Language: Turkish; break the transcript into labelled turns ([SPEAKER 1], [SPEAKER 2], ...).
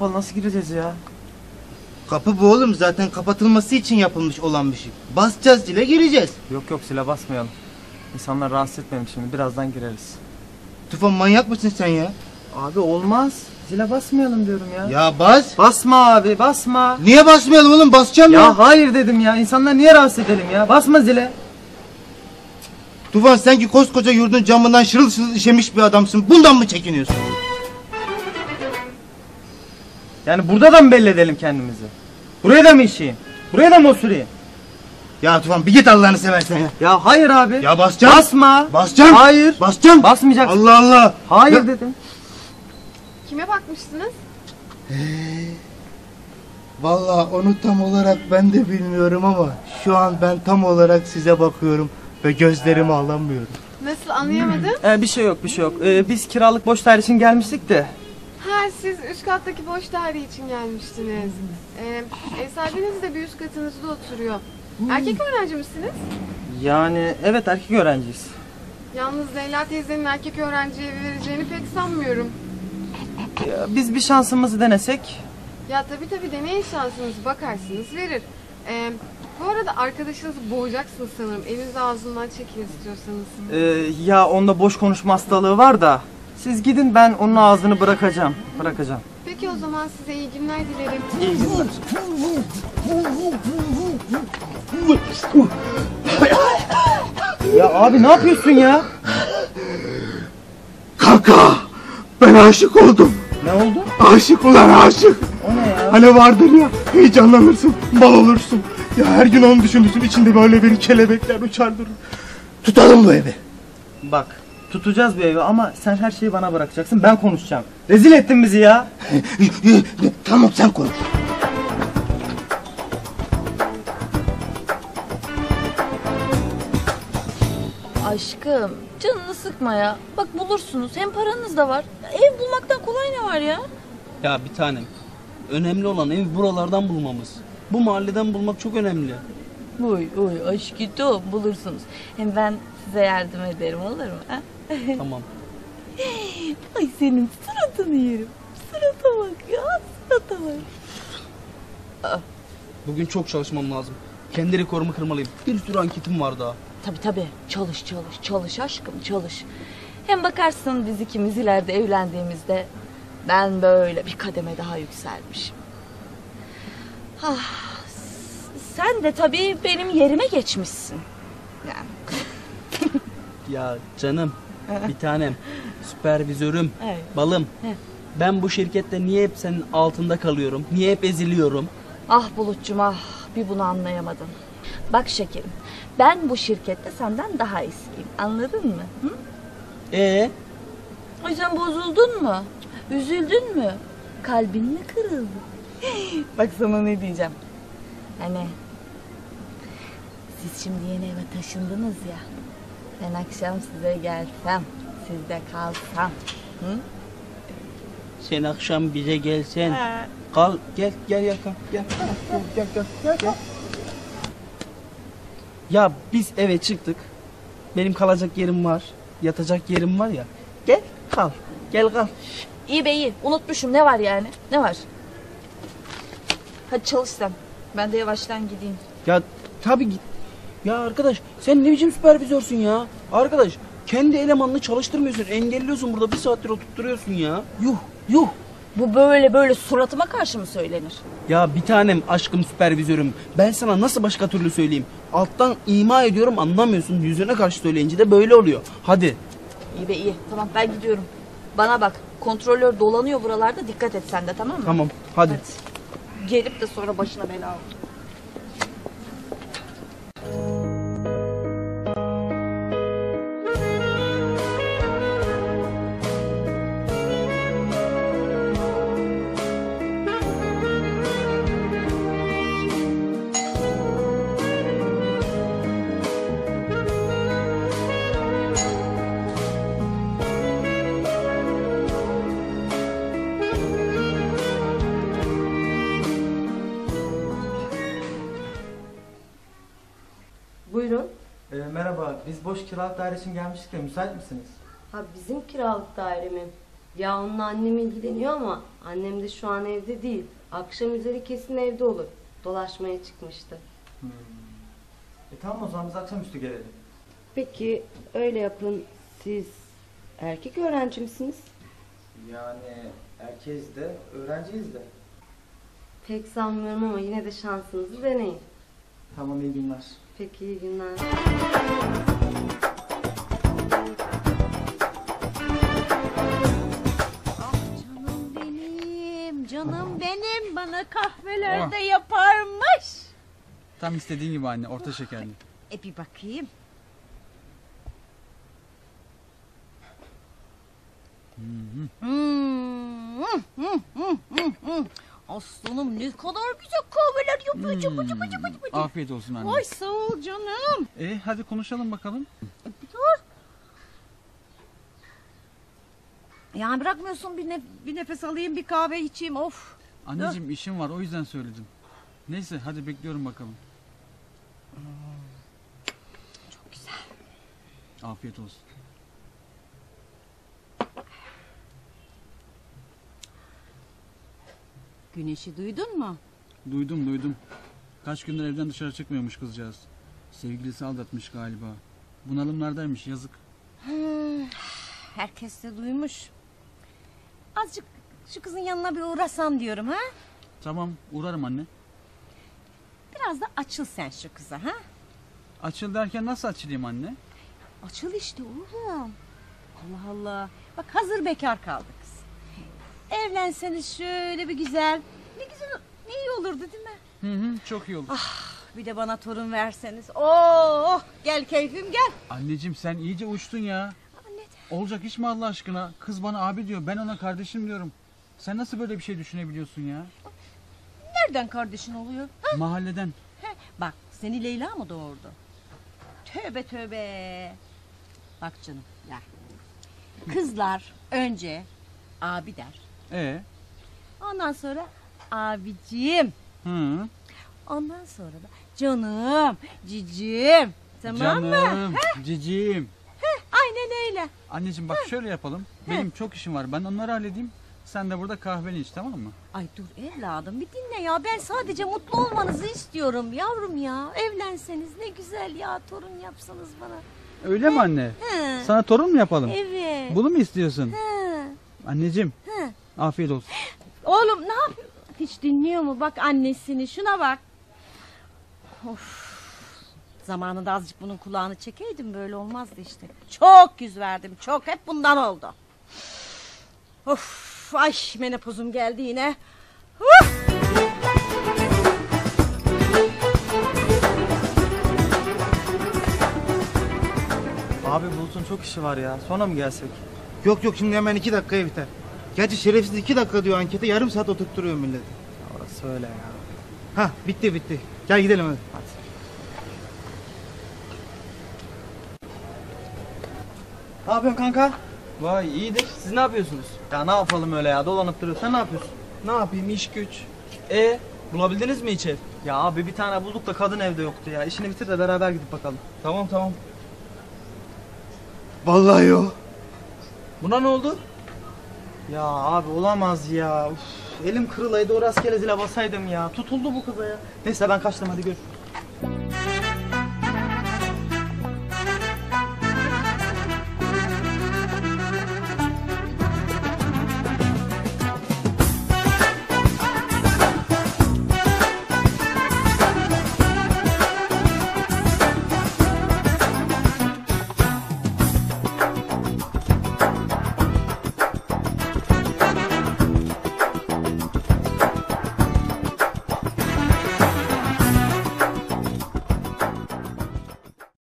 [SPEAKER 1] kapalı, nasıl gireceğiz ya?
[SPEAKER 2] Kapı bu oğlum, zaten kapatılması için yapılmış olan bir şey. Basacağız zile, gireceğiz.
[SPEAKER 1] Yok zile basmayalım. İnsanlar rahatsız etmeyelim şimdi, birazdan gireriz.
[SPEAKER 2] Tufan, manyak mısın sen ya?
[SPEAKER 1] Abi olmaz. Zile basmayalım diyorum ya.
[SPEAKER 2] Ya bas.
[SPEAKER 1] Basma abi, basma.
[SPEAKER 2] Niye basmayalım oğlum, basacağım ya.
[SPEAKER 1] Ya hayır dedim ya, insanlar niye rahatsız edelim ya? Basma zile.
[SPEAKER 2] Tufan, sen ki koskoca yurdun camından şırıl şırıl işemiş bir adamsın. Bundan mı çekiniyorsun?
[SPEAKER 1] Yani burada da mı belli edelim kendimizi? Buraya da mı işeyim? Buraya da mı osurayım?
[SPEAKER 2] Ya Tufan, bir git Allah'ını seversen ya.
[SPEAKER 1] Ya hayır abi.
[SPEAKER 2] Ya basacağım.
[SPEAKER 1] Basma.
[SPEAKER 2] Basacağım.
[SPEAKER 1] Hayır.
[SPEAKER 2] Basacağım.
[SPEAKER 1] Basmayacaksın.
[SPEAKER 2] Allah Allah.
[SPEAKER 1] Hayır
[SPEAKER 2] Ya.
[SPEAKER 1] dedim.
[SPEAKER 3] Kime bakmıştınız?
[SPEAKER 2] Vallahi onu tam olarak ben de bilmiyorum ama şu an ben tam olarak size bakıyorum ve gözlerimi alamıyorum.
[SPEAKER 3] Nasıl, anlayamadım?
[SPEAKER 1] Bir şey yok. Biz kiralık boş daire için gelmiştik de.
[SPEAKER 3] Ha, siz üst kattaki boş daire için gelmiştiniz. Ev sahibiniz de bir üst katınızda oturuyor. Erkek öğrenci misiniz?
[SPEAKER 1] Yani evet, erkek öğrenciyiz.
[SPEAKER 3] Yalnız Leyla teyzenin erkek öğrenciye evi vereceğini pek sanmıyorum.
[SPEAKER 1] Ya, biz bir şansımızı denesek.
[SPEAKER 3] Ya tabii deneyin şansınızı, bakarsınız verir. Bu arada arkadaşınızı boğacaksınız sanırım. Elinizi ağzından çekin istiyorsanız.
[SPEAKER 1] Ya onda boş konuşma hastalığı var da. Siz gidin, ben onun ağzını bırakacağım.
[SPEAKER 3] Peki o zaman size iyi günler dilerim.
[SPEAKER 1] İyi günler. Ya abi ne yapıyorsun ya?
[SPEAKER 2] Kanka, ben aşık oldum.
[SPEAKER 1] Ne oldu?
[SPEAKER 2] Aşık ulan, aşık.
[SPEAKER 1] O ne ya?
[SPEAKER 2] Hani vardır ya, heyecanlanırsın, bal olursun. Ya her gün onu düşünürsün, içinde böyle bir kelebekler uçar durur. Tutalım bu evi.
[SPEAKER 1] Bak, tutacağız bir evi ama sen her şeyi bana bırakacaksın, ben konuşacağım. Rezil ettin bizi ya.
[SPEAKER 2] Tamam, sen konuş.
[SPEAKER 4] Aşkım, canını sıkma ya. Bak bulursunuz, hem paranız da var. Ev bulmaktan kolay ne var ya?
[SPEAKER 5] Ya bir tanem, önemli olan ev buralardan bulmamız. Bu mahalleden bulmak çok önemli.
[SPEAKER 4] Oy aşkım, bulursunuz. Hem ben size yardım ederim, olur mu? Ha?
[SPEAKER 5] Tamam.
[SPEAKER 4] Ay senin suratını yerim. Surata bak ya, surata bak.
[SPEAKER 5] Bugün çok çalışmam lazım. Kendi rekorumu kırmalıyım. Bir sürü anketim var daha.
[SPEAKER 4] Tabii. Çalış aşkım, çalış. Hem bakarsın biz ikimiz ileride evlendiğimizde ben böyle bir kademe daha yükselmişim. Sen de tabii benim yerime geçmişsin. Yani.
[SPEAKER 5] Ya canım, bir tanem, süpervizörüm,
[SPEAKER 4] Evet.
[SPEAKER 5] balım.
[SPEAKER 4] Evet.
[SPEAKER 5] Ben bu şirkette niye hep senin altında kalıyorum? Niye hep eziliyorum?
[SPEAKER 4] Ah Bulut'cum ah, bir bunu anlayamadın. Bak şekerim, ben bu şirkette senden daha eskiyim, anladın mı? Hı? Ay sen bozuldun mu? Üzüldün mü? Kalbin mi kırıldı? Bak sana ne diyeceğim. Hani siz şimdi yeni eve taşındınız ya. Ben akşam size gelsem, sizde kalsam. Hı?
[SPEAKER 5] Sen akşam bize gelsen. Kal, gel Yakan, gel. Gel. Ya biz eve çıktık. Benim kalacak yerim var. Yatacak yerim var ya. Gel kal.
[SPEAKER 4] İyi be iyi. Unutmuşum. Ne var yani? Ne var? Hadi çalış sen. Ben de yavaştan gideyim.
[SPEAKER 5] Ya tabii git. Ya arkadaş sen ne biçim süpervizörsün ya? Arkadaş kendi elemanını çalıştırmıyorsun. Engelliyorsun burada, bir saattir oturtturuyorsun ya. Yuh.
[SPEAKER 4] Bu böyle suratıma karşı mı söylenir?
[SPEAKER 5] Ya bir tanem, aşkım, süpervizörüm. Ben sana nasıl başka türlü söyleyeyim? Alttan ima ediyorum, anlamıyorsun. Yüzüne karşı söyleyince de böyle oluyor. Hadi.
[SPEAKER 4] İyi be iyi. Tamam ben gidiyorum. Bana bak. Kontrolör dolanıyor buralarda. Dikkat et sen de, tamam mı?
[SPEAKER 5] Tamam hadi.
[SPEAKER 4] Gelip de sonra başına bela al.
[SPEAKER 6] Buyurun.
[SPEAKER 1] Merhaba, biz boş kiralık daire için gelmiştik de müsait misiniz?
[SPEAKER 6] Ha bizim kiralık daire mi? Ya onunla annem ilgileniyor ama annem de şu an evde değil. Akşam üzeri kesin evde olur. Dolaşmaya çıkmıştı.
[SPEAKER 1] Tamam o zaman biz akşamüstü gelelim.
[SPEAKER 6] Peki öyle yapın. Siz erkek öğrenci misiniz?
[SPEAKER 1] Yani erkeğiz de öğrenciyiz de.
[SPEAKER 6] Pek sanmıyorum ama yine de şansınızı deneyin.
[SPEAKER 1] Tamam iyi günler.
[SPEAKER 6] Peki iyi günler.
[SPEAKER 4] Canım benim bana kahvelerde yaparmış.
[SPEAKER 5] Tam istediğin gibi anne, orta şekerli.
[SPEAKER 4] Bir bakayım. Aslanım ne kadar güzel kahveler yapıyor. Cıbı cıbı cıbı cıbı.
[SPEAKER 5] Afiyet olsun anne.
[SPEAKER 4] Ay sağ ol canım.
[SPEAKER 5] Hadi konuşalım bakalım.
[SPEAKER 4] Yani bırakmıyorsun bir nefes alayım bir kahve içeyim of.
[SPEAKER 5] Anneciğim işim var, o yüzden söyledim. Neyse hadi bekliyorum bakalım.
[SPEAKER 4] Çok güzel.
[SPEAKER 5] Afiyet olsun.
[SPEAKER 4] Güneşi duydun mu?
[SPEAKER 5] Duydum. Kaç gündür evden dışarı çıkmıyormuş kızcağız. Sevgilisi aldatmış galiba. Bunalımlardaymış, yazık.
[SPEAKER 4] Herkes de duymuş. Azıcık şu kızın yanına bir uğrasam diyorum ha.
[SPEAKER 5] Tamam, uğrarım anne.
[SPEAKER 4] Biraz da açıl sen şu kıza ha.
[SPEAKER 5] Açıl derken nasıl açılayım anne?
[SPEAKER 4] Açıl işte oğlum. Allah Allah. Bak hazır bekar kaldı kız. Evlenseniz şöyle bir güzel. Ne güzel, ne iyi olurdu değil mi?
[SPEAKER 5] Hı, çok iyi olur.
[SPEAKER 4] Bir de bana torun verseniz. Oh gel keyfim gel.
[SPEAKER 5] Anneciğim sen iyice uçtun ya. Olacak iş mi Allah aşkına? Kız bana abi diyor, ben ona kardeşim diyorum. Sen nasıl böyle bir şey düşünebiliyorsun ya?
[SPEAKER 4] Nereden kardeşin oluyor? Ha?
[SPEAKER 5] Mahalleden.
[SPEAKER 4] Bak seni Leyla mı doğurdu? Tövbe tövbe. Bak canım ya. Kızlar önce abi der. Ondan sonra abicim.
[SPEAKER 5] Hı.
[SPEAKER 4] Ondan sonra da canım, cicim. Tamam mı?
[SPEAKER 5] Canım, cicim.
[SPEAKER 4] Aynen öyle.
[SPEAKER 5] Anneciğim bak şöyle yapalım. Benim çok işim var. Ben onları halledeyim. Sen de burada kahveni iç, tamam mı?
[SPEAKER 4] Ay dur evladım bir dinle ya. Ben sadece mutlu olmanızı istiyorum yavrum ya. Evlenseniz ne güzel ya. Torun yapsanız bana.
[SPEAKER 5] Öyle mi anne?
[SPEAKER 4] He.
[SPEAKER 5] Sana torun mu yapalım?
[SPEAKER 4] Evet.
[SPEAKER 5] Bunu mu istiyorsun?
[SPEAKER 4] He.
[SPEAKER 5] Anneciğim.
[SPEAKER 4] He.
[SPEAKER 5] Afiyet olsun.
[SPEAKER 4] Oğlum ne yapıyor? Hiç dinliyor mu? Bak annesini şuna bak. Of. Zamanında azıcık bunun kulağını çekeydim böyle olmazdı işte. Çok yüz verdim çok hep bundan oldu. Of ay menopozum geldi yine.
[SPEAKER 1] Abi Bulut'un çok işi var ya. Sonra mı gelsek?
[SPEAKER 2] Yok şimdi hemen 2 dakikaya biter. Gerçi şerefsiz 2 dakika diyor ankete, yarım saat oturtturuyor milleti.
[SPEAKER 1] Orası öyle ya.
[SPEAKER 2] Hah bitti. Gel gidelim hadi.
[SPEAKER 1] Ne yapıyorsun kanka?
[SPEAKER 5] Vay iyidir. Siz ne yapıyorsunuz?
[SPEAKER 1] Ya ne yapalım öyle ya, dolanıp duruyoruz. Sen ne yapıyorsun?
[SPEAKER 5] Ne yapayım, iş güç. Bulabildiniz mi hiç ev?
[SPEAKER 1] Ya abi bir tane bulduk da kadın evde yoktu ya. İşini bitir de beraber gidip bakalım.
[SPEAKER 5] Tamam.
[SPEAKER 2] Vallahi yok.
[SPEAKER 5] Buna ne oldu?
[SPEAKER 1] Ya abi olamaz ya. Uf, elim kırılaydı, o rastgele zile basaydım ya. Tutuldu bu kıza ya. Neyse ben kaçtım, hadi görüşürüz.